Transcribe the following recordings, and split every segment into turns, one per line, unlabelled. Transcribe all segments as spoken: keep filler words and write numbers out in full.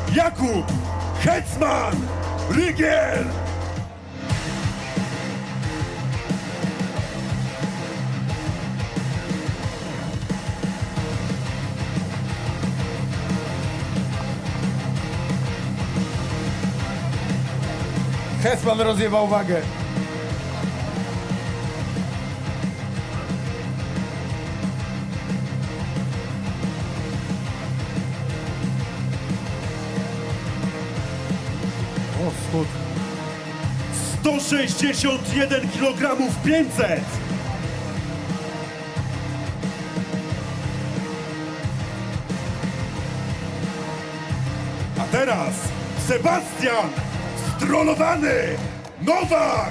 Jakub Hetman Rygiel.
Hetman rozjebał wagę. O, schód.
sto sześćdziesiąt jeden kilogramów pięćset. A teraz Sebastian Strollowany Nowak.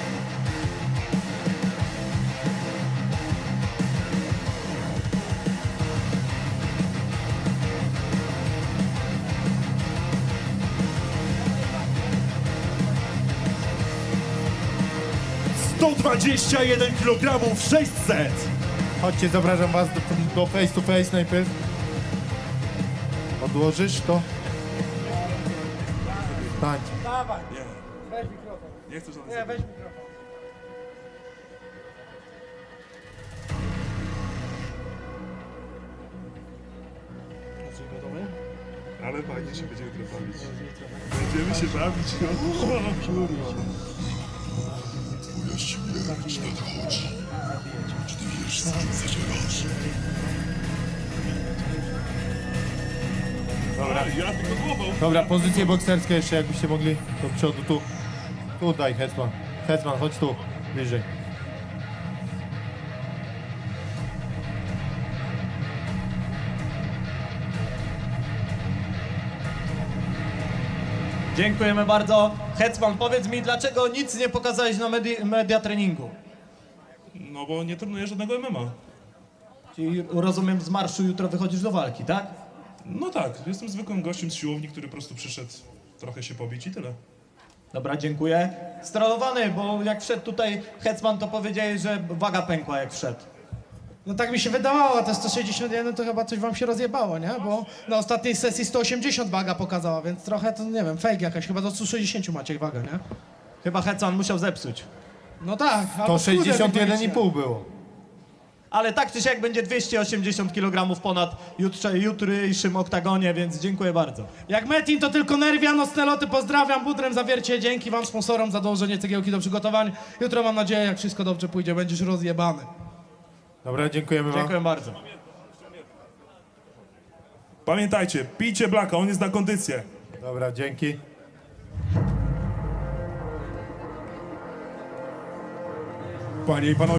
sto dwadzieścia jeden kilogramów sześćset.
Chodźcie, zapraszam was do, do face to face najpierw. Odłożysz to? Stań.
Dawaj. Weź mikrofon.
Nie chcę żadnych
Nie, weź mikrofon.
Ale fajnie się będziemy jutro bawić. Będziemy się bawić, no. O, kurwa.
Twoja śmierć nadchodzi. Czy ty wiesz, z kim zadzierasz?
Dobra, ja tylko głową.
Dobra, pozycje bokserskie jeszcze jakbyście mogli do przodu, tu. Tu daj, Hetman. Hetman, chodź tu, bliżej.
Dziękujemy bardzo. Hetman, powiedz mi, dlaczego nic nie pokazałeś na media, media treningu?
No bo nie trenuję żadnego M M A.
Czyli rozumiem, z marszu jutro wychodzisz do walki, tak?
No tak, jestem zwykłym gościem z siłowni, który po prostu przyszedł trochę się pobić i tyle.
Dobra, dziękuję. Strollowany, bo jak wszedł tutaj Hetman, to powiedziałeś, że waga pękła jak wszedł.
No tak mi się wydawało, a te sto sześćdziesiąt jeden to chyba coś wam się rozjebało, nie? Bo na ostatniej sesji sto osiemdziesiąt waga pokazała, więc trochę to, nie wiem, fake jakaś, chyba do stu sześćdziesięciu macie wagę, nie?
Chyba Hetman musiał zepsuć.
No tak.
To
albo
sześćdziesiąt jeden i
skórę
pół było.
Ale tak czy siak będzie dwieście osiemdziesiąt kilogramów ponad jutrze, jutrzejszym oktagonie, więc dziękuję bardzo.
Jak Metin to tylko nerwia, nocne loty, pozdrawiam, Budrem Zawiercie, dzięki wam sponsorom za dołożenie cegiełki do przygotowań. Jutro mam nadzieję, jak wszystko dobrze pójdzie, będziesz rozjebany.
Dobra, dziękujemy wam.
Dziękuję bardzo.
Pamiętajcie, pijcie Blacka, on jest na kondycję.
Dobra, dzięki.
Panie i panowie.